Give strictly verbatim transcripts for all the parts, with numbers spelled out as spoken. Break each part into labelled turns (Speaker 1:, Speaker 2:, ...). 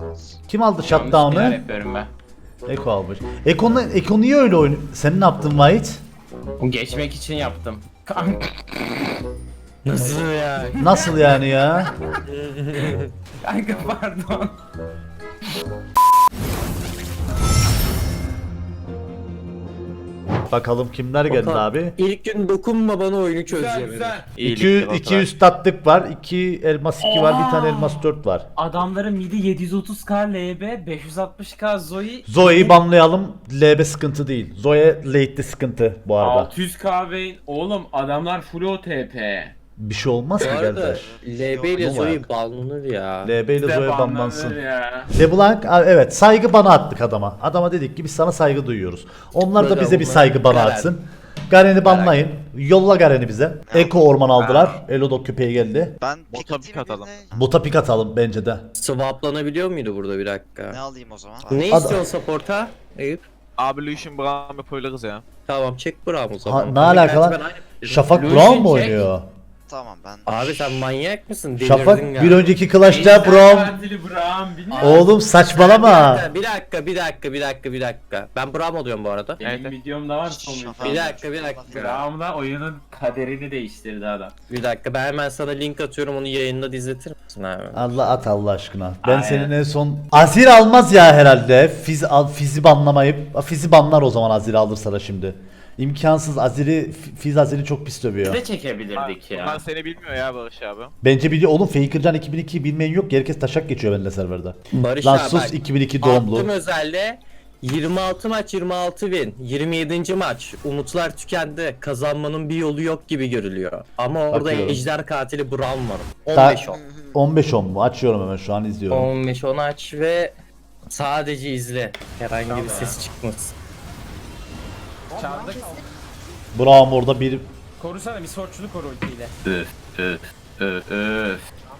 Speaker 1: alırsanız.
Speaker 2: Kim aldı
Speaker 3: Yanlış şeyler
Speaker 2: shutdown'ı?
Speaker 3: yapıyorum ben.
Speaker 2: Eko almış. Eko'nu Eko niye öyle oynuyor? Sen ne yaptın White?
Speaker 3: Bu geçmek için yaptım. Kanka,
Speaker 4: Nasıl ya?
Speaker 2: Nasıl yani ya?
Speaker 3: kanka pardon.
Speaker 2: Bakalım kimler geldi
Speaker 4: Bakalım.
Speaker 2: abi?
Speaker 4: İlk gün dokunma bana oyunu
Speaker 3: Güzel
Speaker 4: çözeceğim.
Speaker 3: güzel.
Speaker 2: iki iki üstatlık var, iki elmas iki var, bir tane elmas dört var.
Speaker 3: Adamların midi yedi yüz otuz K L B, beş yüz altmış K Zoe.
Speaker 2: Zoe'yi banlayalım. L B sıkıntı değil. Zoe late'de sıkıntı bu arada.
Speaker 3: altı yüz K Vayne. Oğlum adamlar full O T P.
Speaker 2: Bir şey olmaz
Speaker 4: Bu
Speaker 2: ki
Speaker 4: arada
Speaker 2: kardeş.
Speaker 4: L B ile
Speaker 2: Yok,
Speaker 4: Zoe
Speaker 2: yok.
Speaker 4: banlanır ya.
Speaker 2: L B ile
Speaker 3: Bize
Speaker 2: Zoe
Speaker 3: banlanır
Speaker 2: banlansın.
Speaker 3: ya.
Speaker 2: LeBlanc a- evet saygı bana attık adama. Adama dedik ki biz sana saygı duyuyoruz. Onlar da
Speaker 4: Böyle
Speaker 2: bize bir
Speaker 4: onlar-
Speaker 2: saygı bana
Speaker 4: Garen.
Speaker 2: atsın. Garen'i banlayın. Yolla Garen'i bize. Eko orman aldılar. Elodok köpeği geldi.
Speaker 1: Ben
Speaker 5: Bota
Speaker 1: pick
Speaker 5: pick
Speaker 1: atayım
Speaker 5: atalım.
Speaker 1: birine.
Speaker 2: Bota pik atalım bence de.
Speaker 4: Swaplanabiliyor muydu burada bir dakika?
Speaker 1: Ne alayım o zaman?
Speaker 4: Ne
Speaker 2: Adam-
Speaker 4: istiyorsun support'a? Eyüp.
Speaker 5: Abi Lucian Brown yapabiliriz ya.
Speaker 4: Tamam çek Braum o zaman.
Speaker 2: Ha, ne
Speaker 4: Ama
Speaker 2: alaka
Speaker 4: gerçi
Speaker 2: lan?
Speaker 4: ben aynı-
Speaker 2: Şafak
Speaker 3: Lucian
Speaker 2: Brown mu
Speaker 3: çek.
Speaker 2: oynuyor?
Speaker 1: Tamam ben.
Speaker 4: Abi sen manyak mısın? Delirdin
Speaker 2: Şafak
Speaker 4: galiba.
Speaker 2: bir önceki Clash'ta Brown.
Speaker 3: Katili Brown bilmiyorum.
Speaker 2: Oğlum saçmalama.
Speaker 4: Bir dakika, bir dakika, bir dakika, bir dakika. Ben Braum oluyorum bu arada.
Speaker 3: Benim
Speaker 5: Evet.
Speaker 3: videomda var son
Speaker 1: Şafak-
Speaker 4: Bir
Speaker 3: video.
Speaker 4: dakika, bir dakika.
Speaker 3: Brown'da oyunun kaderini değiştirdi adam.
Speaker 4: Bir dakika ben hemen sana link atıyorum onu yayında izletir misin abi?
Speaker 2: Allah at Allah aşkına. Ben
Speaker 3: Aynen.
Speaker 2: senin en son Azir almaz ya herhalde. Fiz al Fiz'i banlamayıp Fiz'i banlar o zaman Azir alırsa da şimdi. İmkansız Azir'i Fiz Azir'i çok pis
Speaker 3: Biz
Speaker 2: dövüyor.
Speaker 3: de çekebilirdik
Speaker 5: Bunlar
Speaker 3: ya.
Speaker 5: seni bilmiyor ya Barış abi.
Speaker 2: Bence biliyor oğlum Fakercan iki bin ikiyi bilmeyen yok. Herkes taşak geçiyor benimle serverde.
Speaker 4: Barış
Speaker 2: Lan
Speaker 4: abi
Speaker 2: sus
Speaker 4: bak,
Speaker 2: iki bin iki
Speaker 4: attım
Speaker 2: doğumlu.
Speaker 4: özelde yirmi altı maç yirmi altı win. yirmi yedinci maç. Umutlar tükendi. Kazanmanın bir yolu yok gibi görülüyor. Ama orada
Speaker 2: Bakıyorum.
Speaker 4: ejder katili Braum var.
Speaker 2: Ta-
Speaker 4: on beş on.
Speaker 2: on beş on mu? Açıyorum hemen şu an izliyorum.
Speaker 4: on beş on aç ve sadece izle. Herhangi bir ses çıkmasın.
Speaker 3: Çaldık.
Speaker 2: Braum orada bir
Speaker 3: Korusana bir sorçunu koru ultiyle. Öf öf öf öf.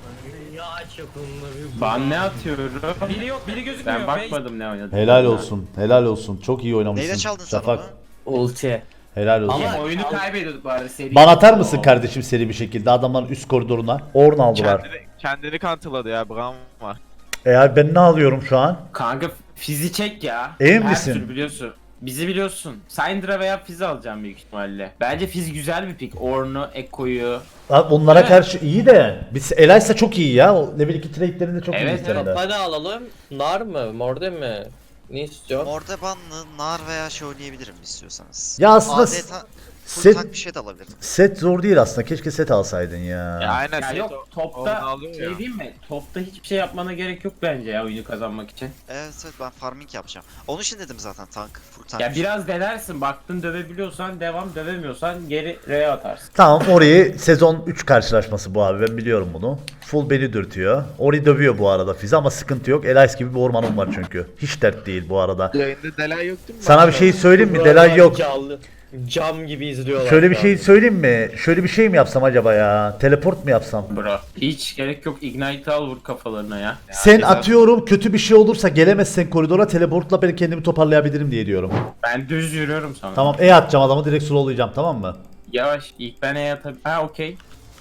Speaker 3: Ben ne atıyorum?
Speaker 6: Biri yok, biri gözükmüyor.
Speaker 3: Ben bakmadım ne oynadım.
Speaker 2: helal olsun. Helal olsun. Çok iyi oynamışsın.
Speaker 1: Neyle çaldın sen
Speaker 2: Şafak.
Speaker 1: onu?
Speaker 4: Ulti.
Speaker 2: Helal olsun.
Speaker 4: Ama-
Speaker 3: Oyunu kaybediyorduk bu arada seri.
Speaker 2: Bana atar mısın kardeşim seri bir şekilde adamların üst koridoruna? Orn aldılar.
Speaker 5: Kendini, kendini kanıtladı ya Brown var.
Speaker 2: E abi ben ne alıyorum şu an?
Speaker 3: Kanka fizi çek ya.
Speaker 2: Emin
Speaker 3: Her
Speaker 2: misin?
Speaker 3: türlü biliyorsun. Bizi biliyorsun. Syndra veya Fizz'i alacağım büyük ihtimalle. Bence Fizz güzel bir pick. Ornn'u, Ekko'yu.
Speaker 2: Abi onlara
Speaker 3: Evet.
Speaker 2: karşı iyi de. Biz Elias'a çok iyi ya. O level iki trade'lerinde çok
Speaker 3: Evet,
Speaker 2: iyi
Speaker 3: evet.
Speaker 2: evet,
Speaker 4: Hadi alalım. Nar mı? Morde mi? Ne istiyorsun?
Speaker 1: Mordebanlı, nar veya şey oynayabilirim istiyorsanız.
Speaker 2: Ya aslında
Speaker 1: A D
Speaker 2: s-
Speaker 1: ta- full
Speaker 2: set-
Speaker 1: tank bir şey de alabilirim.
Speaker 2: Set zor değil aslında. Keşke set alsaydın ya.
Speaker 5: Ya aynen.
Speaker 3: Ya
Speaker 5: set
Speaker 3: yok
Speaker 5: o-
Speaker 3: topta
Speaker 5: oradan alıyor
Speaker 3: şey
Speaker 5: ya.
Speaker 3: diyeyim mi? Topta hiçbir şey yapmana gerek yok bence ya oyunu kazanmak için.
Speaker 1: Evet evet ben farming yapacağım. Onun için dedim zaten tank. Full tank.
Speaker 3: Ya
Speaker 1: bir şey.
Speaker 3: biraz denersin. Baktın dövebiliyorsan devam, dövemiyorsan geri R'ye atarsın.
Speaker 2: Tamam Ori'yi sezon üç karşılaşması bu abi. Ben biliyorum bunu. Full beni dürtüyor. Ori dövüyor bu arada Fizi ama sıkıntı yok. Elias gibi bir ormanım var çünkü. Hiç dert değil bu arada.
Speaker 5: Yayında delay yok değil mi?
Speaker 2: Sana bir şey söyleyeyim mi? Delay yok.
Speaker 4: Canlı. Cam gibi izliyorlar.
Speaker 2: Şöyle bir
Speaker 4: şu
Speaker 2: şey
Speaker 4: an.
Speaker 2: söyleyeyim mi? Şöyle bir şey mi yapsam acaba ya? Teleport mu yapsam?
Speaker 3: Bro. Hiç gerek yok. Ignite al vur kafalarına ya.
Speaker 2: Sen
Speaker 3: Güzel.
Speaker 2: atıyorum kötü bir şey olursa gelemezsen koridora teleportla ben kendimi toparlayabilirim diye diyorum.
Speaker 3: Ben düz yürüyorum sana.
Speaker 2: Tamam E atacağım adamı direkt slowlayacağım tamam mı?
Speaker 3: Yavaş. İlk ben E atabilirim. Ha okey.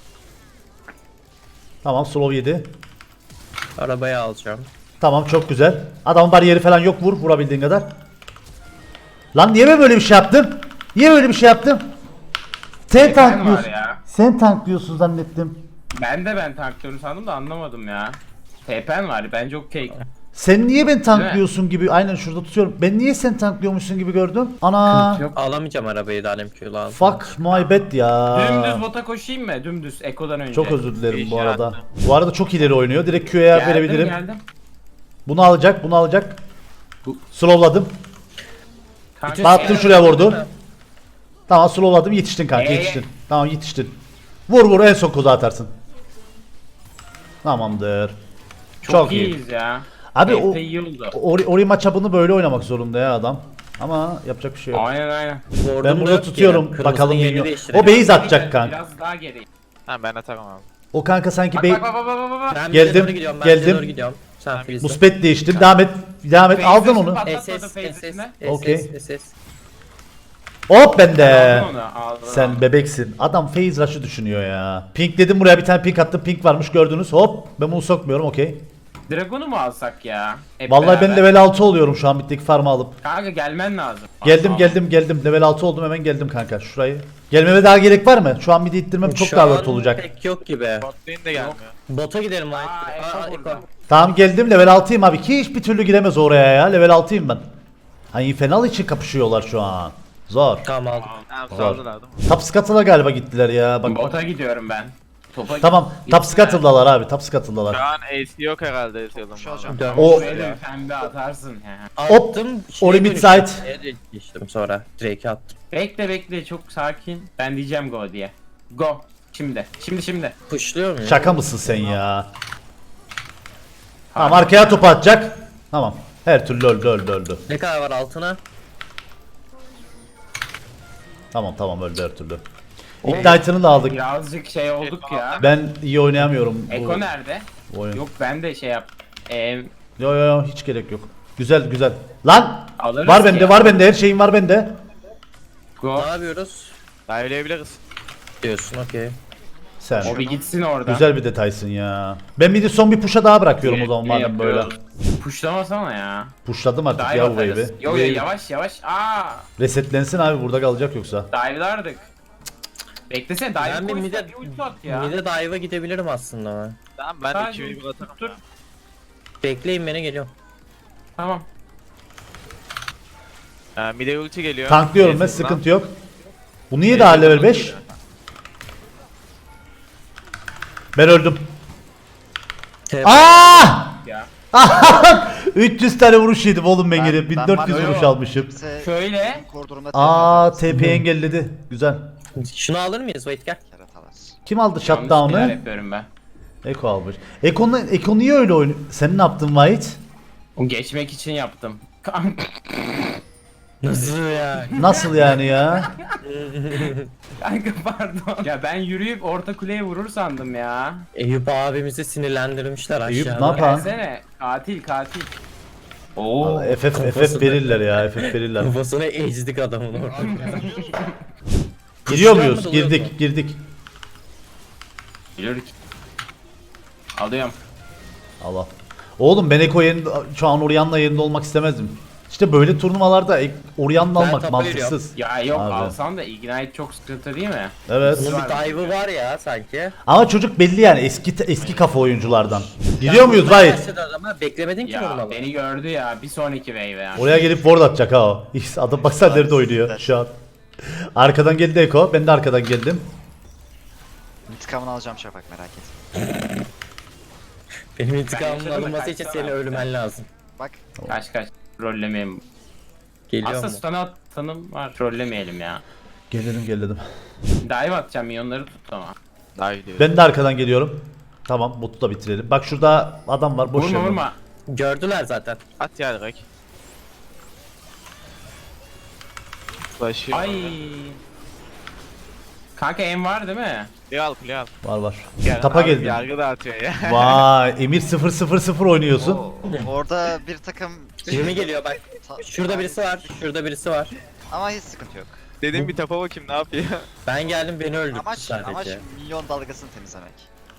Speaker 2: Tamam slow yedi.
Speaker 4: Arabayı alacağım.
Speaker 2: Tamam çok güzel. Adamın bariyeri falan yok vur vurabildiğin kadar. Lan niye ben böyle bir şey yaptım? Niye böyle bir şey yaptım? Sen
Speaker 3: Efendim
Speaker 2: tanklıyorsun.
Speaker 3: var ya.
Speaker 2: Sen tanklıyorsun zannettim.
Speaker 3: Ben de ben tanklıyorum sandım da anlamadım ya. T P'n var bence okey.
Speaker 2: Sen niye ben tanklıyorsun gibi aynen şurada tutuyorum. Ben niye sen tanklıyormuşsun gibi gördüm. Ana.
Speaker 3: Yok.
Speaker 4: Alamayacağım arabayı da Alem Q'lu al.
Speaker 2: Fuck my bad ya.
Speaker 3: Dümdüz bota koşayım mı? Dümdüz Eko'dan önce.
Speaker 2: Çok özür dilerim bu
Speaker 5: Değişir
Speaker 2: arada.
Speaker 5: hatta.
Speaker 2: Bu arada çok ileri oynuyor. Direkt Q'ya
Speaker 3: Geldim,
Speaker 2: verebilirim.
Speaker 3: Geldim.
Speaker 2: Bunu alacak, bunu alacak.
Speaker 3: Bu-
Speaker 2: Slowladım.
Speaker 3: Kanka,
Speaker 2: Attım şuraya vurdu. Tamam slowladım yetiştin kanka
Speaker 3: Ee?
Speaker 2: yetiştin. Tamam yetiştin. Vur vur en son kozu atarsın. Tamamdır.
Speaker 3: Çok,
Speaker 2: Çok iyi.
Speaker 3: iyiyiz ya.
Speaker 2: Abi
Speaker 3: T P
Speaker 2: o
Speaker 3: iyi oldu.
Speaker 2: Ori, Ori maçapını böyle oynamak zorunda ya adam. Ama yapacak bir şey yok.
Speaker 3: Aynen aynen.
Speaker 4: Ward'um
Speaker 2: Ben
Speaker 4: da
Speaker 2: burada
Speaker 4: yok
Speaker 2: tutuyorum.
Speaker 4: ki.
Speaker 2: Bakalım
Speaker 4: Kırmızının yerini
Speaker 2: minyon.
Speaker 4: değiştirelim.
Speaker 2: O base atacak kanka.
Speaker 3: Biraz daha geri.
Speaker 5: Ha ben atarım abi.
Speaker 2: O kanka sanki
Speaker 3: Bak
Speaker 2: be
Speaker 3: bak bak bak bak bak.
Speaker 4: Ben
Speaker 2: Geldim,
Speaker 4: bize doğru gidiyorum. Ben
Speaker 2: geldim.
Speaker 4: bize doğru gidiyorum. Sen Filiz'le.
Speaker 2: muspet değiştim. Devam et. Devam et. Aldın onu.
Speaker 3: Patlatmadı
Speaker 4: S S S
Speaker 3: face'ine.
Speaker 4: S
Speaker 2: Okey.
Speaker 4: S S.
Speaker 2: Hop bende.
Speaker 3: Aldın onu, aldın,
Speaker 2: Sen
Speaker 3: aldın.
Speaker 2: bebeksin. Adam phase rush'ı düşünüyor ya. Pink dedim buraya bir tane pink attım. Pink varmış gördünüz. Hop. Ben bunu sokmuyorum okey.
Speaker 3: Dragon'u mu alsak ya? Hep
Speaker 2: Vallahi ben
Speaker 3: beraber.
Speaker 2: level altı oluyorum şu an bitteki farmı alıp.
Speaker 3: Kanka gelmen lazım.
Speaker 2: Geldim
Speaker 3: Aa,
Speaker 2: geldim geldim. Level altı oldum hemen geldim kanka şurayı. Gelmeme daha gerek var mı? Şu an midi ittirmem çok
Speaker 4: Şu
Speaker 2: daha
Speaker 4: an
Speaker 2: worth olacak.
Speaker 4: Pek yok gibi.
Speaker 5: Bot lane de gelmiyor.
Speaker 4: Bota gidelim White.
Speaker 3: Aa, Eko
Speaker 4: Aa,
Speaker 3: burada.
Speaker 4: Eko.
Speaker 2: Tamam geldim level altıyım abi. Ki hiçbir türlü giremez oraya ya. Level altıyım ben. Hani Fenal için kapışıyorlar şu an. Zor.
Speaker 4: Tamam aldım.
Speaker 5: Tamam
Speaker 2: Zor.
Speaker 5: saldılar değil mi?
Speaker 2: Top Scuttle'a galiba gittiler ya. Bak.
Speaker 3: Bota gidiyorum ben. Topa
Speaker 2: Tamam. Top
Speaker 3: gitsinler.
Speaker 2: Scuttle'dalar abi. Top
Speaker 5: Şu
Speaker 2: Scuttle'lar.
Speaker 5: an A C yok herhalde A C yolum.
Speaker 1: Şu hocam.
Speaker 4: Dön.
Speaker 2: O-
Speaker 3: Şuraya da bir pembe atarsın. He.
Speaker 2: Hop,
Speaker 4: Attım.
Speaker 2: Ori
Speaker 4: şeye
Speaker 2: mid
Speaker 4: dönüştüm.
Speaker 2: side.
Speaker 4: Şeye geçtim sonra. Drake'e attım.
Speaker 3: Bekle bekle çok sakin. Ben diyeceğim go diye. Go. Şimdi. Şimdi şimdi.
Speaker 4: Pushluyor muyum?
Speaker 2: Şaka mısın sen ya? Tamam arkaya topu atacak. Tamam. Her türlü öldü öldü öldü.
Speaker 4: Ne kadar var altına?
Speaker 2: Tamam tamam öldü her türlü. Ignite'ını da aldık.
Speaker 3: Birazcık şey olduk ya.
Speaker 2: Ben iyi oynayamıyorum. bu
Speaker 3: Eko nerede?
Speaker 2: oyun.
Speaker 3: Yok ben de şey yap. Ee,
Speaker 2: Yo yo yo hiç gerek yok. Güzel güzel. Lan!
Speaker 3: Alırız
Speaker 2: Var
Speaker 3: ki
Speaker 2: bende
Speaker 3: ya.
Speaker 2: var bende her şeyim var bende.
Speaker 3: go.
Speaker 4: Ne yapıyoruz?
Speaker 5: Dive'leyebiliriz.
Speaker 4: Diyorsun okey.
Speaker 2: Sen.
Speaker 3: O bir gitsin oradan.
Speaker 2: Güzel bir detaysın ya. Ben bir de son bir push'a daha bırakıyorum o zaman
Speaker 3: Ne
Speaker 2: madem böyle.
Speaker 3: yapıyoruz? Pushlamasana ya.
Speaker 2: Pushladım artık
Speaker 3: Dive
Speaker 2: ya bu
Speaker 3: atarız.
Speaker 2: wave'i.
Speaker 3: Yo yo yavaş yavaş. Aa,
Speaker 2: Resetlensin abi burada kalacak yoksa.
Speaker 3: dive'lardık. Beklesene dive
Speaker 4: Ben bir
Speaker 3: koysa
Speaker 4: mide,
Speaker 3: bir ulti at ya.
Speaker 4: mide dive'a gidebilirim aslında ben.
Speaker 5: Tamam ben
Speaker 3: Sadece
Speaker 5: iki bir atarım.
Speaker 3: dur.
Speaker 4: Bekleyin beni geliyorum.
Speaker 3: Tamam.
Speaker 5: Ee, mide ulti geliyor.
Speaker 2: Tanklıyorum ben
Speaker 5: Ezreal'dan.
Speaker 2: sıkıntı yok. Bu niye daha level beş? Ben öldüm.
Speaker 4: T-
Speaker 2: Aa!
Speaker 3: Ya.
Speaker 2: üç yüz tane vuruş yedim oğlum ben
Speaker 1: Ben-
Speaker 2: gelip
Speaker 1: ben
Speaker 2: bin dört yüz
Speaker 1: var ya
Speaker 2: vuruş
Speaker 1: o.
Speaker 2: almışım.
Speaker 1: Kimse
Speaker 3: Şöyle.
Speaker 1: koridorunda
Speaker 2: Aa T P engelledi. Güzel.
Speaker 4: Şunu alır mıyız? Wait gel.
Speaker 1: Keratalar.
Speaker 2: Kim aldı
Speaker 3: Yanlış şeyler
Speaker 2: shutdown'ı?
Speaker 3: yapıyorum ben.
Speaker 2: Eko almış. Eko, Eko niye öyle oynuyor? Sen ne yaptın White?
Speaker 3: O geçmek için yaptım.
Speaker 4: Nasıl ya?
Speaker 2: Nasıl yani ya?
Speaker 3: Kanka pardon. Ya ben yürüyüp orta kuleye vurur sandım ya.
Speaker 4: Eyüp abimizi sinirlendirmişler
Speaker 2: Eyüp
Speaker 4: aşağıda.
Speaker 2: ne yapar?
Speaker 3: Gelsene. Katil katil. Oo.
Speaker 2: F F F F verirler ya F F verirler.
Speaker 4: Kafasına ezdik adamın orada.
Speaker 2: Giriyor muyuz?
Speaker 4: Kuşlar mı dalıyor
Speaker 2: Girdik girdik.
Speaker 3: Yürü. Alıyorum.
Speaker 2: Allah. Oğlum ben Eko yerinde şu an Orianna yerinde olmak istemezdim. İşte böyle turnuvalarda Ek- Orianna
Speaker 4: Ben
Speaker 2: almak
Speaker 4: tapa
Speaker 2: mantıksız.
Speaker 3: Ya yok
Speaker 2: Abi.
Speaker 3: alsan da Ignite çok sıkıntı değil mi?
Speaker 2: Evet.
Speaker 4: Bunun bir dive'ı var ya sanki.
Speaker 2: Ama çocuk belli yani eski eski kafa oyunculardan. Gidiyor muyuz Vahit?
Speaker 4: Başladı ama beklemedin ki
Speaker 3: Ya
Speaker 4: normal.
Speaker 3: beni gördü ya bir sonraki wave ya.
Speaker 2: Oraya gelip ward atacak ha o. İşte adam baksana nerede oynuyor şu an. Arkadan geldi Eko. Ben de arkadan geldim.
Speaker 1: İntikamını alacağım Şafak merak et.
Speaker 4: Benim
Speaker 3: Ben
Speaker 4: intikamımın
Speaker 3: yaşadım,
Speaker 4: alınması için
Speaker 3: kaçsana.
Speaker 4: senin ölmen lazım.
Speaker 1: Bak
Speaker 3: Kaç kaç. Trollemeyeyim.
Speaker 4: Geliyor
Speaker 3: Aslında
Speaker 4: mu?
Speaker 3: stun atanım var. Trollemeyelim ya.
Speaker 2: Gelelim gelelim.
Speaker 3: Dive atacağım minyonları tut ama.
Speaker 5: Dive diyor.
Speaker 2: Ben de arkadan geliyorum. Tamam botu da bitirelim. Bak şurada adam var boş
Speaker 3: Vurma
Speaker 2: ver.
Speaker 3: vurma.
Speaker 4: Gördüler zaten.
Speaker 5: At ya direkt. Flash'ı
Speaker 3: Ay. Kanka em var değil mi?
Speaker 5: Kule al kule al.
Speaker 2: Var var.
Speaker 5: Gel,
Speaker 2: Tapa
Speaker 5: abi,
Speaker 2: geldim.
Speaker 5: Yargı dağıtıyor ya.
Speaker 2: Vay Emir sıfır sıfır sıfır oynuyorsun.
Speaker 1: o, orada bir takım
Speaker 4: yirmi geliyor bak.
Speaker 1: Ta-
Speaker 4: Şurada birisi var. Şurada birisi var.
Speaker 1: ama hiç sıkıntı yok.
Speaker 5: Dedim bir tapa bakayım ne yapıyor.
Speaker 4: Ben geldim beni öldürdü
Speaker 1: Amaç
Speaker 4: sadece.
Speaker 1: amaç milyon dalgasını temizlemek.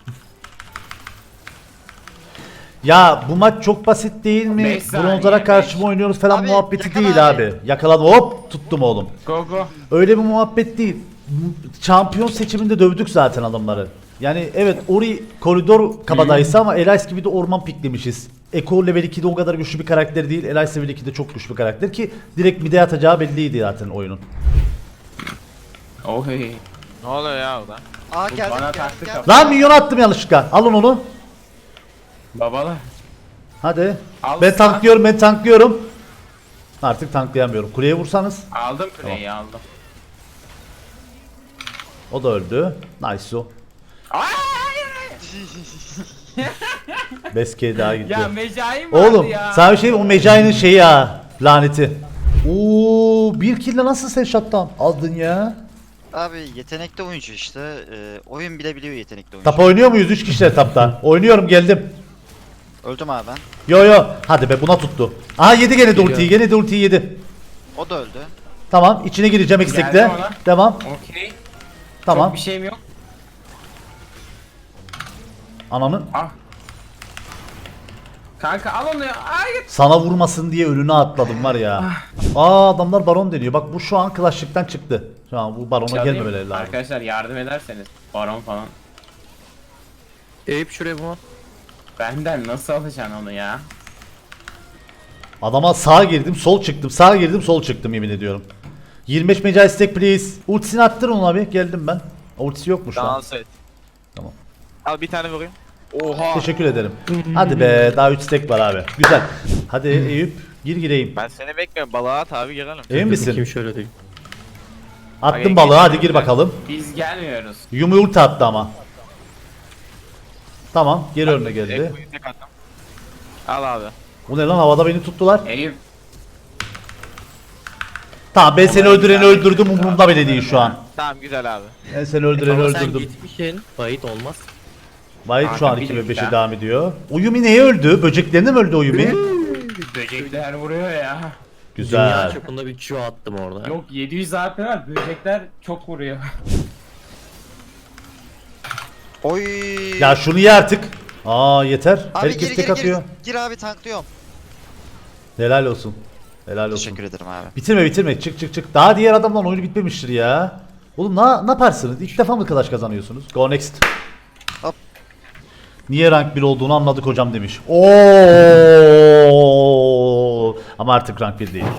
Speaker 2: Ya bu maç çok basit değil mi?
Speaker 3: Beş saniye,
Speaker 2: Bronzlara karşı mı
Speaker 3: beş.
Speaker 2: oynuyoruz falan
Speaker 1: Abi,
Speaker 2: muhabbeti
Speaker 1: yakala
Speaker 2: değil
Speaker 1: abi.
Speaker 2: abi. Yakaladım hop tuttum oğlum.
Speaker 3: Go go.
Speaker 2: Öyle bir muhabbet değil. Şampiyon seçiminde dövdük zaten adamları. Yani evet Ori koridor kabadayısı ama Elias gibi de orman piklemişiz. Eko level ikide o kadar güçlü bir karakter değil. Elias level ikide çok güçlü bir karakter ki direkt mid'e atacağı belliydi zaten oyunun.
Speaker 3: Oh hey.
Speaker 5: Ne oluyor ya orada?
Speaker 1: Aa
Speaker 3: Bu
Speaker 1: geldim
Speaker 3: bana
Speaker 1: geldim
Speaker 3: taktı
Speaker 1: geldim.
Speaker 3: kafa.
Speaker 2: Lan milyon attım yanlışlıkla. Alın onu.
Speaker 3: Babalar.
Speaker 2: Hadi.
Speaker 3: Al
Speaker 2: Ben
Speaker 3: sen.
Speaker 2: tanklıyorum ben tanklıyorum. Artık tanklayamıyorum. Kuleye vursanız.
Speaker 3: Aldım kuleyi aldım.
Speaker 2: O da öldü. Nice o.
Speaker 3: Ay!
Speaker 2: Beske daha gitti.
Speaker 3: Ya Mecai mi vardı
Speaker 2: Oğlum
Speaker 3: ya?
Speaker 2: sana bir şey o Mecai'nin şeyi ya. Laneti. Oo bir kill'le nasıl sen shutdown aldın ya?
Speaker 1: Abi yetenekli oyuncu işte. Ee, oyun bile biliyor yetenekli oyuncu.
Speaker 2: Tap oynuyor muyuz? üç kişiler tapta. Oynuyorum geldim.
Speaker 1: Öldüm abi ben.
Speaker 2: Yo yo. Hadi be buna tuttu. Aha yedi gene de ultiyi. Gene de ultiyi yedi.
Speaker 1: O da öldü.
Speaker 2: Tamam içine gireceğim eksikle.
Speaker 3: Geldim ona.
Speaker 2: Devam.
Speaker 3: Okey.
Speaker 2: Tamam.
Speaker 3: Çok bir şeyim yok.
Speaker 2: Ananın.
Speaker 3: Ah. Kanka al onu ya. Hayır.
Speaker 2: Sana vurmasın diye önüne atladım var ya. Aa adamlar baron deniyor. Bak bu şu an Clash'lıktan çıktı. Şu an bu barona
Speaker 3: Çalayım.
Speaker 2: gelmemeleri lazım.
Speaker 3: Arkadaşlar yardım ederseniz. Baron falan.
Speaker 4: Eyüp şuraya bu.
Speaker 3: Benden nasıl alacaksın onu ya?
Speaker 2: Adama sağa girdim, sol çıktım. Sağa girdim, sol çıktım yemin ediyorum. yirmi beş meca istek please. Ultisini attırın ona abi. Geldim ben. Ultisi yokmuş lan.
Speaker 5: Dans et.
Speaker 2: Tamam.
Speaker 5: Al bir tane vurayım. Oha.
Speaker 2: Teşekkür ederim. Hadi be daha üç stack var abi. Güzel. Hadi Eyüp gir gireyim.
Speaker 5: Ben seni bekliyorum. Balığa at abi girelim.
Speaker 2: Emin misin?
Speaker 4: Kim şöyle değil.
Speaker 2: Attım balığı hadi gir bakalım.
Speaker 3: Biz gelmiyoruz.
Speaker 2: Yumi ulti attı ama. Tamam geri önüne geldi.
Speaker 5: Eko'yu tek attım. Al abi.
Speaker 2: Bu ne lan havada beni tuttular.
Speaker 3: Eyüp.
Speaker 2: Tamam ben seni öldüreni öldürdüm umurumda bile değil şu an.
Speaker 5: Tamam güzel abi.
Speaker 2: Ben seni öldüreni
Speaker 4: Ama sen
Speaker 2: öldürdüm.
Speaker 4: gitmişsin. Bayit olmaz.
Speaker 2: Vahit şu an
Speaker 3: Kanka,
Speaker 2: iki
Speaker 3: bir
Speaker 2: ve beşe
Speaker 3: dakika.
Speaker 2: devam ediyor. O Yumi neye öldü? Böceklerine mi öldü o Yumi?
Speaker 3: Böcekler vuruyor ya.
Speaker 4: Dünya
Speaker 2: Güzel.
Speaker 4: çapında bir Q attım orada.
Speaker 3: Yok yedi yüz A P var. Böcekler çok vuruyor.
Speaker 1: Oy.
Speaker 2: Ya şunu ye artık. Aa yeter.
Speaker 1: abi
Speaker 2: Herkes
Speaker 1: gir
Speaker 2: tek
Speaker 1: gir
Speaker 2: atıyor.
Speaker 1: gir. Gir abi tanklıyorum.
Speaker 2: Helal olsun. Helal olsun.
Speaker 1: Teşekkür ederim abi.
Speaker 2: Bitirme bitirme çık çık çık. Daha diğer adamdan oyunu bitmemiştir ya. Oğlum ne, ne yaparsınız? İlk defa mı Clash kazanıyorsunuz? Go next.
Speaker 1: Hop.
Speaker 2: Niye rank bir olduğunu anladık hocam demiş. Oo! Ama artık rank bir değil.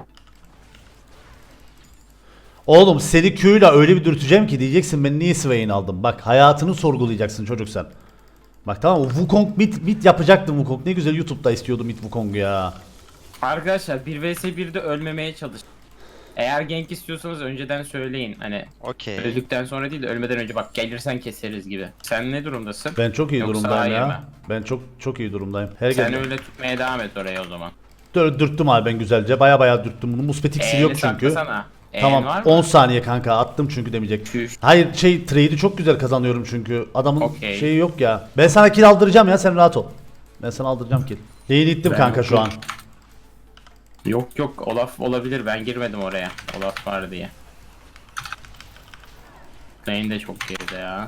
Speaker 2: Oğlum seni Q'yla öyle bir dürteceğim ki diyeceksin ben niye Swain aldım. Bak hayatını sorgulayacaksın çocuk sen. Bak tamam mı? Wukong mid, mid yapacaktım Wukong. Ne güzel YouTube'da istiyordum mid Wukong'u ya.
Speaker 3: Arkadaşlar bir vs birde ölmemeye çalış. Eğer gank istiyorsanız önceden söyleyin. Hani
Speaker 1: Okey.
Speaker 3: öldükten sonra değil de ölmeden önce bak gelirsen keseriz gibi. Sen ne durumdasın?
Speaker 2: Ben çok iyi
Speaker 3: Yoksa
Speaker 2: durumdayım
Speaker 3: hayır
Speaker 2: ya.
Speaker 3: mı?
Speaker 2: Ben çok çok iyi durumdayım. Her
Speaker 3: Sen
Speaker 2: gün
Speaker 3: öyle tutmaya devam et oraya o zaman.
Speaker 2: Dür- dürttüm abi ben güzelce. Baya baya dürttüm bunu. Muspetik iksiri yok
Speaker 3: E'ni
Speaker 2: çünkü.
Speaker 3: saklasana. E'nin
Speaker 2: Tamam
Speaker 3: var mı?
Speaker 2: on saniye kanka attım çünkü demeyecek.
Speaker 3: Tüh.
Speaker 2: Hayır şey trade'i çok güzel kazanıyorum çünkü. Adamın
Speaker 3: Okey.
Speaker 2: şeyi yok ya. Ben sana kill aldıracağım ya sen rahat ol. Ben sana aldıracağım kill. Lane'i ittim
Speaker 3: Ben
Speaker 2: kanka şu an.
Speaker 3: yokum. Yok yok Olaf olabilir ben girmedim oraya. Olaf var diye. Lane de çok geride ya.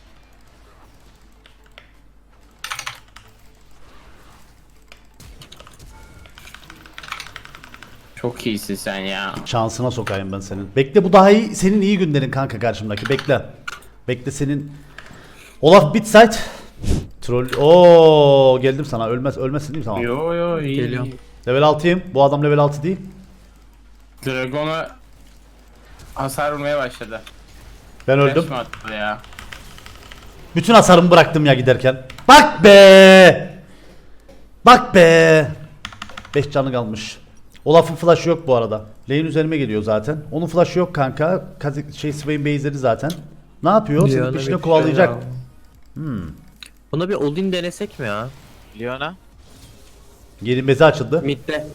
Speaker 3: Çok iyisin sen ya.
Speaker 2: Şansına sokayım ben senin. Bekle bu daha iyi. Senin iyi günlerin kanka karşımdaki. Bekle. Bekle senin. Olaf bit site. Troll. Oo geldim sana. Ölmez ölmezsin değil mi? Tamam.
Speaker 3: Yo yo iyi.
Speaker 4: Geliyorum.
Speaker 2: Level altıyım. Bu adam level altı değil.
Speaker 3: Dragon'a hasar vurmaya başladı.
Speaker 2: Ben öldüm.
Speaker 3: Flash mı attı ya?
Speaker 2: Bütün hasarımı bıraktım ya giderken. Bak be. Bak be. beş canı kalmış. Olaf'ın flash'ı yok bu arada. Lane üzerime geliyor zaten. Onun flash'ı yok kanka. Kazi- Şey Swain base'leri zaten. Ne yapıyor? Senin
Speaker 4: Leon'a
Speaker 2: peşine
Speaker 4: bir
Speaker 2: kovalayacak.
Speaker 4: şey ya. Buna bir Odin denesek mi ya?
Speaker 5: Leona.
Speaker 2: Yeni bezi açıldı.
Speaker 4: Mid'de.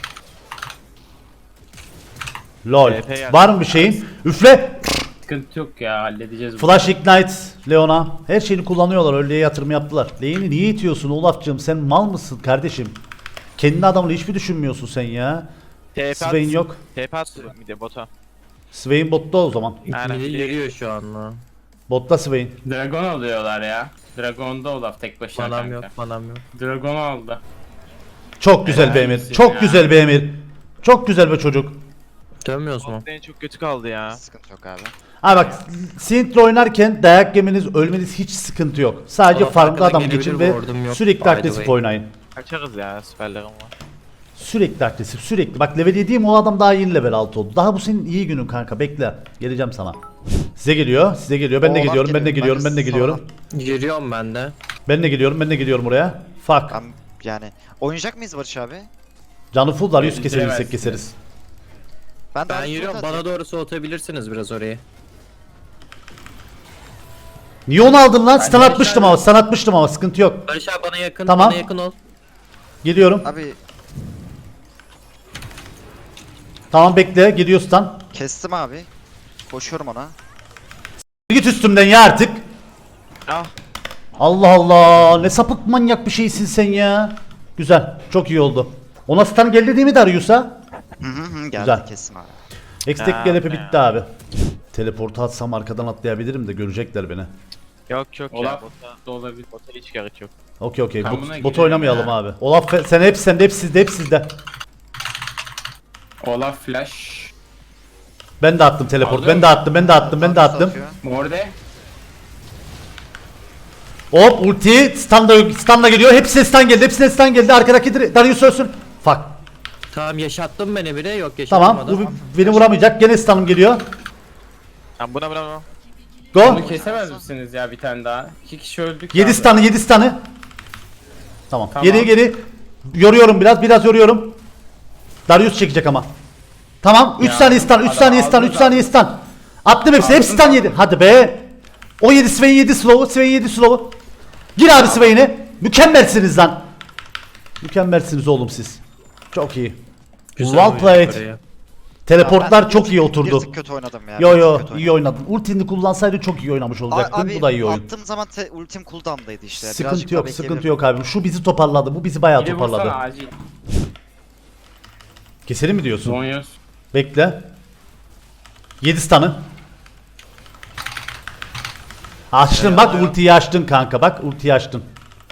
Speaker 2: Lol.
Speaker 5: T P geldi.
Speaker 2: Var mı bir şeyin? Üfle.
Speaker 3: Sıkıntı yok ya halledeceğiz bunu.
Speaker 2: Flash Ignite. Leona. Her şeyini kullanıyorlar. Öyle yatırım yaptılar. Lane'i niye itiyorsun Olaf'cığım? Sen mal mısın kardeşim? Kendi adamını hiç mi düşünmüyorsun sen ya?
Speaker 5: T P at.
Speaker 2: Swain yok.
Speaker 5: T P at bir de bota.
Speaker 2: Swain botta o zaman.
Speaker 5: Aynen.
Speaker 4: Mid'i yürüyor şu an lan.
Speaker 2: Botta Swain.
Speaker 3: Dragon alıyorlar ya. Dragon'da Olaf tek başına
Speaker 4: Manam
Speaker 3: kanka.
Speaker 4: yok, manam yok.
Speaker 3: Dragon aldı.
Speaker 2: Çok güzel
Speaker 3: Helal
Speaker 2: bir emir.
Speaker 3: olsun
Speaker 2: Çok
Speaker 3: ya.
Speaker 2: güzel bir emir. Çok güzel bir çocuk.
Speaker 4: Dönmüyoruz mu?
Speaker 5: Bot lane çok kötü kaldı ya.
Speaker 1: Sıkıntı yok abi.
Speaker 2: Ha bak Sintra oynarken dayak yemeniz ölmeniz hiç sıkıntı yok. Sadece
Speaker 4: Olaf
Speaker 2: farklı
Speaker 4: arkada
Speaker 2: adam
Speaker 4: gelebilir,
Speaker 2: geçin ve
Speaker 4: ward'um yok, by
Speaker 2: sürekli
Speaker 4: the
Speaker 2: agresif
Speaker 4: way.
Speaker 2: oynayın.
Speaker 5: Kaçarız ya süperlerim var.
Speaker 2: Sürekli agresif sürekli. Bak level yediğim o adam daha yeni level altı oldu. Daha bu senin iyi günün kanka bekle. Geleceğim sana. Size geliyor size geliyor ben de
Speaker 1: Oğlan
Speaker 2: gidiyorum ben de
Speaker 1: geliyor,
Speaker 2: gidiyorum
Speaker 1: ben
Speaker 2: ben
Speaker 1: de
Speaker 2: de gidiyorum.
Speaker 4: Yürüyorum ben de.
Speaker 2: Ben de gidiyorum ben de gidiyorum oraya. Fuck.
Speaker 1: Ben yani oynayacak mıyız Barış abi?
Speaker 2: Canı full var yüz kesebilirsek
Speaker 3: Bitiremezsiniz.
Speaker 2: keseriz.
Speaker 1: Ben, de
Speaker 4: Ben
Speaker 1: abi
Speaker 4: yürüyorum,
Speaker 1: burada
Speaker 4: bana doğru soğutabilirsiniz biraz orayı.
Speaker 2: Niye onu aldın lan? Stun
Speaker 3: de
Speaker 2: atmıştım
Speaker 3: aşağıda-
Speaker 2: ama stun atmıştım ama sıkıntı yok.
Speaker 4: Barış abi bana yakın,
Speaker 2: Tamam.
Speaker 4: bana yakın ol.
Speaker 2: Geliyorum.
Speaker 1: Abi
Speaker 2: Tamam bekle geliyor stun.
Speaker 1: kestim abi. Koşuyorum ona.
Speaker 2: Git üstümden ya artık.
Speaker 5: Ah.
Speaker 2: Allah Allah ne sapık manyak bir şeysin sen ya. Güzel çok iyi oldu. Ona stun geldi değil mi Darius'a?
Speaker 1: Hı hı hı geldi
Speaker 2: Güzel.
Speaker 1: kestim abi.
Speaker 2: Ekstek
Speaker 5: Ha,
Speaker 2: gelepe
Speaker 5: ne
Speaker 2: bitti abi. Teleportu atsam arkadan atlayabilirim de görecekler beni.
Speaker 5: Yok yok ya
Speaker 3: Olaf
Speaker 5: bota.
Speaker 3: da olabilir.
Speaker 5: Bota hiç gerek yok.
Speaker 2: Okey okey.
Speaker 3: Ben
Speaker 2: Bot,
Speaker 3: buna
Speaker 2: bot
Speaker 3: girerim
Speaker 2: oynamayalım
Speaker 3: ya.
Speaker 2: abi. Olaf fe- sen hep sende, hep sizde, hep sizde.
Speaker 3: Olaf flash.
Speaker 2: Ben de attım teleport.
Speaker 3: Alıyor
Speaker 2: Ben de attım, ben de attım, ben de attım.
Speaker 1: Atıyor.
Speaker 3: Morde.
Speaker 2: Hop ulti standa standa geliyor. Hepsine stun geldi. Hepsine stun geldi. Arkadaki Dar- Darius ölsün. Fuck.
Speaker 4: Tamam yaşattım beni bile yok
Speaker 2: Tamam.
Speaker 4: yaşatmadım.
Speaker 2: Bu beni vuramayacak. Gene stun'ım geliyor.
Speaker 5: Tamam buna buna buna.
Speaker 2: Go.
Speaker 3: Bunu kesemez misiniz ya bir tane daha? İki kişi öldük.
Speaker 2: yedi
Speaker 3: abi.
Speaker 2: stun'ı, yedi stun'ı. Tamam.
Speaker 3: Tamam.
Speaker 2: Geri geri. Yoruyorum biraz, biraz yoruyorum. Darius çekecek ama. Tamam. üç
Speaker 3: Ya,
Speaker 2: saniye stun, üç
Speaker 3: adam
Speaker 2: saniye stun,
Speaker 3: aldı
Speaker 2: üç saniye stun. Attım hepsi. Hepsi
Speaker 3: Aldın
Speaker 2: stun yedi. Hadi be. O yedi, Swain yedi slow'u, Swain yedi slow'u. Gir abi Swain'e. Mükemmelsiniz lan. Mükemmelsiniz oğlum siz. Çok iyi.
Speaker 4: Güzel
Speaker 2: Well
Speaker 4: oyun
Speaker 2: played.
Speaker 4: oraya.
Speaker 2: Teleportlar
Speaker 1: Ben
Speaker 2: çok
Speaker 1: bir-
Speaker 2: iyi oturdu.
Speaker 1: Bir tık kötü oynadım ya.
Speaker 2: Yo
Speaker 1: bir
Speaker 2: yo
Speaker 1: tık kötü
Speaker 2: iyi
Speaker 1: oynadım.
Speaker 2: oynadın. Ultini kullansaydın çok iyi oynamış
Speaker 1: A-
Speaker 2: olacaktın.
Speaker 1: Abi
Speaker 2: Bu da iyi oyun.
Speaker 1: attığım zaman te- ultim cooldown'daydı işte. Birazcık
Speaker 2: Sıkıntı
Speaker 1: daha
Speaker 2: yok, sıkıntı
Speaker 1: bekleyebilirim.
Speaker 2: yok abi. Şu bizi toparladı. Bu bizi bayağı
Speaker 3: Biri vursana
Speaker 2: toparladı.
Speaker 3: acil.
Speaker 2: Keselim mi diyorsun?
Speaker 3: Zonyos.
Speaker 2: Bekle. yedi stun'ı. Açtın bak ultiyi açtın kanka. Bak ultiyi açtın.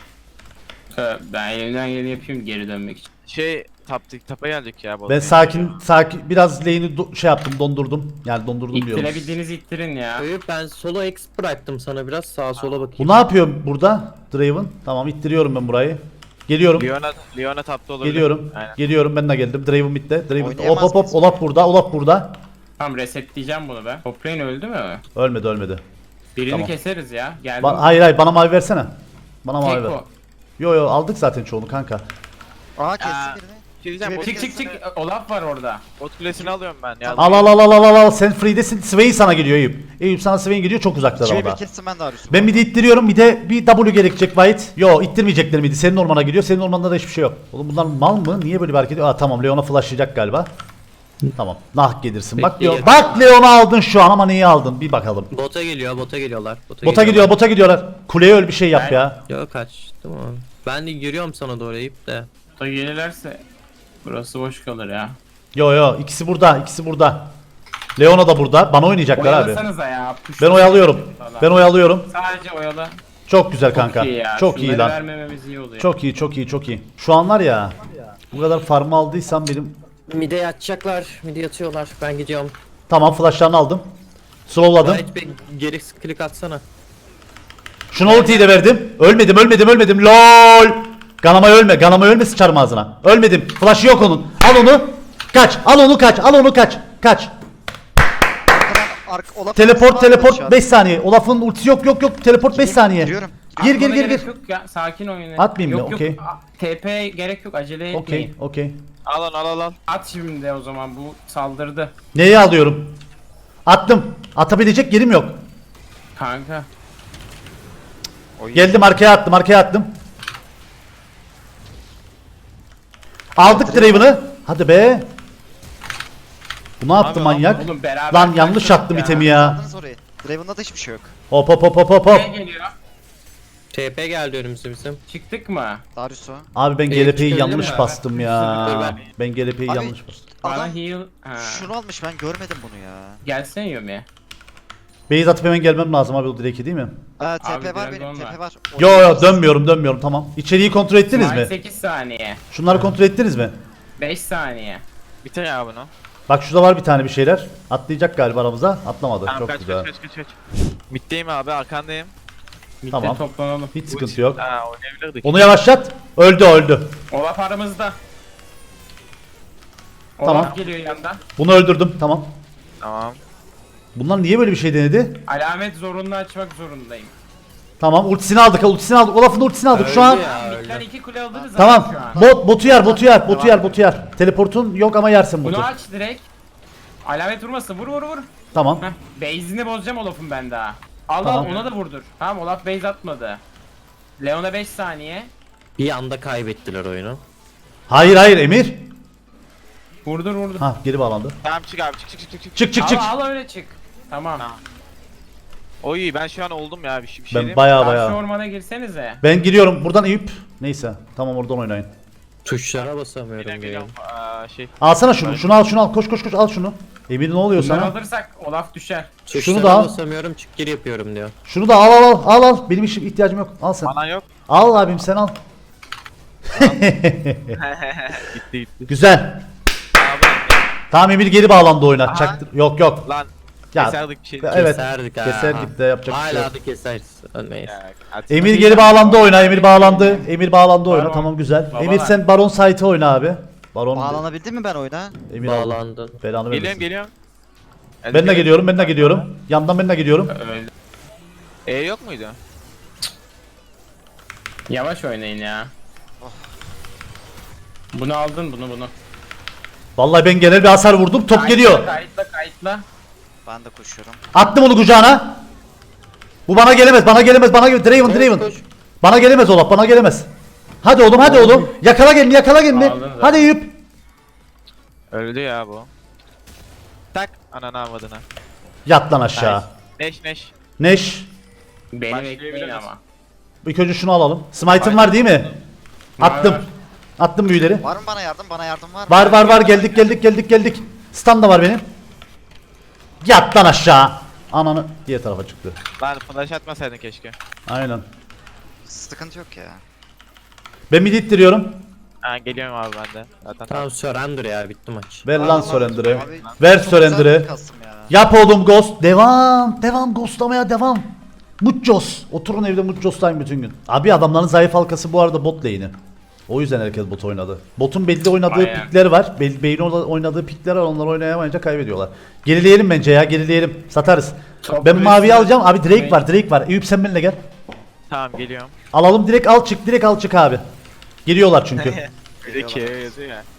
Speaker 3: Ee, Ben elimden geleni yapayım geri dönmek için.
Speaker 5: Şey taptık tapa geldik ya bota.
Speaker 2: Ben sakin sakin biraz lane'i do- şey yaptım, dondurdum. Yani dondurdum diyorum.
Speaker 3: İttirebildiğinizi ittirin ya.
Speaker 4: Eyüp, ben solo X bıraktım sana biraz sağa sola bakayım.
Speaker 2: Bu ne yapıyor burada? Draven. Tamam ittiriyorum ben burayı. Geliyorum.
Speaker 5: Leona, Leona tapta olabilir.
Speaker 2: Geliyorum.
Speaker 5: Aynen.
Speaker 2: Geliyorum ben de geldim. Draven bitti. Draven. Hop
Speaker 1: Oynayamaz
Speaker 2: hop hop.
Speaker 1: mıyız?
Speaker 2: Olaf burada. Olaf burada.
Speaker 3: Tamam resetleyeceğim bunu ben. Toprayın öldü mü?
Speaker 2: Ölmedi ölmedi.
Speaker 3: Birini
Speaker 2: Tamam.
Speaker 3: keseriz ya. Geldim.
Speaker 2: Ba- hayır hayır bana mavi versene. Bana mavi
Speaker 3: Tek
Speaker 2: ver.
Speaker 3: o.
Speaker 2: Yo yo aldık zaten çoğunu kanka.
Speaker 1: Aa kestim
Speaker 5: Aa.
Speaker 1: birini.
Speaker 5: Bir şey diyeceğim, bot,
Speaker 3: Çık çık çık. Olaf var orada.
Speaker 5: bot kulesini alıyorum ben ya.
Speaker 2: Al al al al al al al sen free'desin. Swain sana geliyor Eyüp. Eyüp sana Swain geliyor çok uzakta
Speaker 1: İçeri bir
Speaker 2: orada.
Speaker 1: kestim ben de Darius'u.
Speaker 2: Ben bir de ittiriyorum bir de bir W gerekecek White. Yo ittirmeyecekler miydi? Senin ormana giriyor. Senin ormanda da hiçbir şey yok. Oğlum bunlar mal mı? Niye böyle bir hareket ediyor? Aa tamam Leon'a flashlayacak galiba. Tamam. Nah gelirsin. Bak Leon.
Speaker 4: Bekleyelim.
Speaker 2: Bak Leon'u aldın şu an ama neyi aldın? Bir bakalım.
Speaker 4: Bota geliyor bota geliyorlar. Bota,
Speaker 2: Bota gidiyor, bota gidiyorlar. Kuleye öl bir şey yap
Speaker 3: Ben-
Speaker 2: ya.
Speaker 4: Yok kaçtım ama. Ben de yürüyorum sana doğru Eyüp de.
Speaker 3: Da gelirlerse burası boş kalır ya.
Speaker 2: Yo yo ikisi burada, ikisi burada. Leona da burada. Bana oynayacaklar abi.
Speaker 3: Oyalasanıza ya. push-
Speaker 2: Ben oyalıyorum.
Speaker 3: Valla.
Speaker 2: Ben oyalıyorum.
Speaker 3: Sadece oyala.
Speaker 2: Çok güzel kanka.
Speaker 3: Çok iyi ya.
Speaker 2: Çok iyi
Speaker 3: Şunları
Speaker 2: lan.
Speaker 3: vermememiz iyi oluyor.
Speaker 2: Çok iyi, çok iyi, çok iyi. Şu an var ya. Bu kadar farmı aldıysam benim.
Speaker 4: Mide yatacaklar. Mide yatıyorlar. Ben gidiyorum.
Speaker 2: Tamam flashlarını aldım. Slowladım.
Speaker 4: Gayet bir geri klik atsana.
Speaker 2: Şuna ultiyi de verdim. Ölmedim, ölmedim, ölmedim. LOL. Ganama ölme. Ganama ölme sıçarım ağzına. Ölmedim. Flash'ı yok onun. Al onu. Kaç. Al onu kaç. Al onu kaç. Kaç.
Speaker 1: Arkadan ark- Olaf
Speaker 2: Teleport,
Speaker 1: arkasından şu
Speaker 2: teleport
Speaker 1: an.
Speaker 2: beş saniye. Olaf'ın ultisi yok, yok, yok. Teleport beş saniye.
Speaker 1: Giriyorum.
Speaker 2: Gir gir
Speaker 3: Atmana
Speaker 2: gir
Speaker 3: gerek
Speaker 2: gir.
Speaker 3: Yok ya. Sakin oynayın.
Speaker 2: Atmayayım mı?
Speaker 3: Yok, yok.
Speaker 2: Okey.
Speaker 3: A- T P gerek yok. Acele etmeyin.
Speaker 2: Okey, okey.
Speaker 5: Al lan al al al.
Speaker 3: At şimdi o zaman bu saldırdı.
Speaker 2: Neyi alıyorum? Attım. Atabilecek yerim yok.
Speaker 3: Kanka.
Speaker 1: Oy.
Speaker 2: Geldim arkaya attım, arkaya attım. Aldık Draven'ı. Hadi be. Bu ne yaptı
Speaker 5: Abi,
Speaker 2: manyak?
Speaker 3: Oğlum beraber
Speaker 2: Lan yanlış
Speaker 3: kaçtık
Speaker 2: attım
Speaker 3: ya.
Speaker 2: itemi ya.
Speaker 1: Aldınız orayı. Draven'da da hiçbir şey yok.
Speaker 2: Hop hop hop hop hop hop.
Speaker 3: Ne geliyor?
Speaker 4: T P geldi önümüze bizim.
Speaker 3: Çıktık mı?
Speaker 1: Darius'u.
Speaker 2: Abi ben
Speaker 4: Ee,
Speaker 2: G L P'yi
Speaker 4: çıkabilir
Speaker 2: yanlış
Speaker 3: mi?
Speaker 2: bastım
Speaker 4: Dur
Speaker 2: ya.
Speaker 4: ben-
Speaker 2: Ben G L P'yi
Speaker 1: Abi,
Speaker 2: yanlış bastım.
Speaker 3: Bana
Speaker 1: Adam
Speaker 3: heal. Ha.
Speaker 1: şunu almış ben görmedim bunu ya.
Speaker 3: Gelsene Yumi.
Speaker 2: Base atıp hemen gelmem lazım abi o direki değil mi?
Speaker 1: Aa, T
Speaker 3: Abi,
Speaker 1: P var
Speaker 3: Dragon
Speaker 1: benim,
Speaker 3: var.
Speaker 1: T P var.
Speaker 2: Yo yo dönmüyorum dönmüyorum tamam. İçeriği kontrol ettiniz
Speaker 3: Smite
Speaker 2: mi?
Speaker 3: sekiz saniye.
Speaker 2: Şunları kontrol ettiniz mi?
Speaker 3: beş saniye.
Speaker 5: Bitir ya bunu.
Speaker 2: Bak şurada var bir tane bir şeyler. Atlayacak galiba aramıza. Atlamadı.
Speaker 5: Tamam
Speaker 2: Çok
Speaker 5: kaç,
Speaker 2: güzel.
Speaker 5: kaç kaç kaç kaç. Middeyim abi arkandayım.
Speaker 3: Midde
Speaker 2: Tamam.
Speaker 3: toplanalım.
Speaker 2: Hiç sıkıntı yok.
Speaker 5: Ha oynayabilirdik.
Speaker 2: Onu yavaşlat. Öldü öldü.
Speaker 3: Olaf aramızda.
Speaker 2: Tamam.
Speaker 3: Olaf geliyor yandan.
Speaker 2: Bunu öldürdüm tamam.
Speaker 5: Tamam.
Speaker 2: Bunlar niye böyle bir şey denedi?
Speaker 3: Alamet zorunlu açmak zorundayım.
Speaker 2: Tamam ultisini aldık ultisini aldık. Olaf'ın ultisini aldık şu an.
Speaker 4: Öldü ya,
Speaker 3: Midden
Speaker 4: öldü.
Speaker 3: iki kule aldınız
Speaker 2: Tamam.
Speaker 3: ama şu an.
Speaker 2: Bot botu yer botu yer botu yer botu yer. Teleportun yok ama yersin botu.
Speaker 3: Bunu aç direkt. Alamet vurmasın. Vur vur vur.
Speaker 2: Tamam.
Speaker 3: Heh. Base'ini bozacağım Olaf'ın ben daha. Al
Speaker 2: Tamam.
Speaker 3: al ona da vurdur. Tamam Olaf base atmadı. Leon'a beş saniye.
Speaker 4: Bir anda kaybettiler oyunu.
Speaker 2: Hayır hayır Emir.
Speaker 3: Vurdur vurdur.
Speaker 2: Ha geri bağlandı.
Speaker 5: Tamam çık abi çık çık çık çık. çık.
Speaker 2: Çık çık
Speaker 3: al,
Speaker 2: çık.
Speaker 3: al öyle çık. Tamam.
Speaker 5: Tamam. Oy ben şu an oldum ya bir şey bir şey
Speaker 2: Ben
Speaker 5: diyeyim mi?
Speaker 2: baya
Speaker 3: Karşı
Speaker 2: baya.
Speaker 3: ormana girsenize.
Speaker 2: Ben giriyorum buradan Eyüp. Neyse tamam oradan oynayın.
Speaker 4: Tuşlara
Speaker 5: Bir
Speaker 4: basamıyorum
Speaker 5: dakika
Speaker 4: diye.
Speaker 5: geliyorum. Aa, şey.
Speaker 2: Alsana şunu şunu al şunu al koş koş koş al şunu. Emir ne oluyor
Speaker 3: Bunları
Speaker 2: sana?
Speaker 3: alırsak Olaf düşer.
Speaker 4: Tuşlara
Speaker 2: da al.
Speaker 4: basamıyorum, çık gir yapıyorum diyor.
Speaker 2: Şunu da al al al al al. Benim işim ihtiyacım yok. Al sen.
Speaker 5: Bana yok.
Speaker 2: Al abim sen al.
Speaker 5: Gitti gitti.
Speaker 2: Güzel.
Speaker 5: Abi,
Speaker 2: Tamam Emir geri bağlandı oyuna.
Speaker 5: Aha.
Speaker 2: Çaktır. Yok yok.
Speaker 5: lan
Speaker 2: Ya,
Speaker 5: keserdik bir şey.
Speaker 2: Evet.
Speaker 4: Keserdik ha.
Speaker 2: Keserdik de yapacak bir şey
Speaker 4: Hala
Speaker 2: yok.
Speaker 4: da keseriz. Ölmeyiz.
Speaker 5: Ya, atma.
Speaker 2: Emir geri bağlandı oyuna. Emir bağlandı. Emir bağlandı oyuna.
Speaker 3: Baron.
Speaker 2: Tamam güzel.
Speaker 3: Babalar.
Speaker 2: Emir sen Baron site'e oyna abi. Baron.
Speaker 1: Bağlanabildim mi ben oyuna?
Speaker 2: Emir aldı.
Speaker 4: Bağlandın.
Speaker 2: Belanı
Speaker 5: Geliyorum
Speaker 2: vermesin.
Speaker 5: geliyorum. Hadi
Speaker 2: Ben de
Speaker 5: gel.
Speaker 2: geliyorum. Ben de geliyorum. Yandan ben de geliyorum.
Speaker 3: Öyle.
Speaker 5: E yok muydu?
Speaker 3: Yavaş oynayın ya. Bunu aldın bunu bunu.
Speaker 2: Vallahi ben genel bir hasar vurdum. Top
Speaker 3: Kayıtla,
Speaker 2: geliyor.
Speaker 3: Kayıtla kayıtla.
Speaker 1: Ben de koşuyorum.
Speaker 2: Attım onu kucağına. Bu bana gelemez. Bana gelemez. Bana gelemez. Draven,
Speaker 4: Koş,
Speaker 2: Draven.
Speaker 4: koş.
Speaker 2: Bana gelemez Olaf. Bana gelemez. Hadi oğlum, hadi oğlum. Yakala gelin, yakala gelin.
Speaker 3: Aldın zaten.
Speaker 2: Hadi Eyüp.
Speaker 5: Öldü ya bu. Tak ananı avradına.
Speaker 2: Yat lan aşağı.
Speaker 5: Neş neş.
Speaker 2: Neş.
Speaker 3: Beni
Speaker 5: Başlayabilir
Speaker 3: bekleyin
Speaker 5: misin?
Speaker 3: ama.
Speaker 2: İlk önce şunu alalım. Smite'ın var değil mi? Attım.
Speaker 3: Var.
Speaker 2: Attım büyüleri.
Speaker 1: Var mı bana yardım? Bana yardım var mı?
Speaker 2: Var var var, geldik geldik geldik geldik. Stun da var benim. Yat lan aşağı. Ananı diğer tarafa çıktı.
Speaker 5: Lan flash atmasaydın keşke.
Speaker 2: Aynen.
Speaker 1: Sıkıntı yok ya.
Speaker 2: Ben mid ittiriyorum.
Speaker 5: Ha geliyorum abi ben de. Zaten
Speaker 4: Tamam surrender ya, bitti maç.
Speaker 2: Ver lan
Speaker 1: Vallahi
Speaker 2: surrender'ı.
Speaker 1: abi,
Speaker 2: Ver
Speaker 1: çok güzel
Speaker 2: surrender'ı.
Speaker 1: bir kastım ya.
Speaker 2: Yap oğlum ghost. Devam. Devam ghostlamaya devam. Muchos. Oturun evde Muchos'tayım bütün gün. Abi adamların zayıf halkası bu arada bot lane'i. O yüzden herkes bot oynadı. Botun belli oynadığı
Speaker 3: Aynen.
Speaker 2: pikler var. Be Bey'in oynadığı pikler var. Onlar oynayamayınca kaybediyorlar. Gerileyelim bence ya, gerileyelim. Satarız.
Speaker 3: Çok
Speaker 2: Ben maviyi
Speaker 3: resmi.
Speaker 2: alacağım. Abi Drake var, Drake var. Eyüp sen benimle gel.
Speaker 5: Tamam geliyorum.
Speaker 2: Alalım, direkt al çık, direkt al çık abi. Geliyorlar çünkü.
Speaker 5: Bir de K yazıyor ya.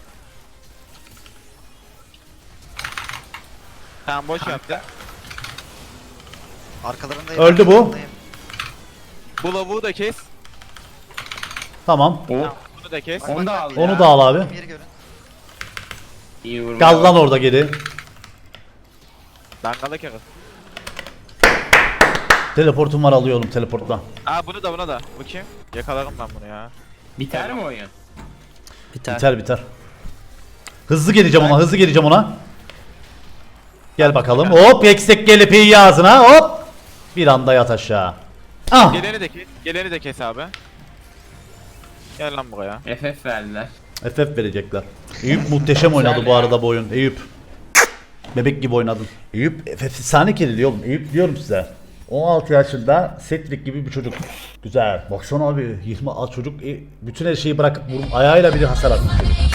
Speaker 5: Tamam boş yaptı.
Speaker 1: Arkalarındayım.
Speaker 2: Öldü bu.
Speaker 1: arkalarındayım.
Speaker 5: Bu lavuğu da kes.
Speaker 2: Tamam.
Speaker 3: Oh.
Speaker 5: Tamam, bunu da kes.
Speaker 3: Onu da al
Speaker 2: Onu
Speaker 3: ya.
Speaker 2: da al abi.
Speaker 1: Yeri görün.
Speaker 3: İyi vurma.
Speaker 2: Kal lan orada geri.
Speaker 5: Dangala kere.
Speaker 2: Teleportum var, alıyorum teleportla.
Speaker 5: Aa bunu da buna da. Bakayım. Yakalarım ben bunu ya.
Speaker 3: Biter mi oyun?
Speaker 4: Biter.
Speaker 2: Biter biter. Hızlı geleceğim ona, hızlı geleceğim ona. Gel bakalım. Hop, eksik gelip iyi ağzına. Hop. Bir anda yat aşağı. Ah.
Speaker 5: Geleni de kes. Geleni de kes abi. Gel lan buraya.
Speaker 3: F F verdiler.
Speaker 2: F F verecekler. Eyüp muhteşem oynadı bu arada bu oyun. Eyüp. Bebek gibi oynadın. Eyüp F F efsane kelili oğlum. Eyüp diyorum size. on altı yaşında Cedric gibi bir çocuk. Güzel. Baksana abi, yirmi al çocuk e, bütün her şeyi bırakıp vurup ayağıyla bile hasar atmış çocuk.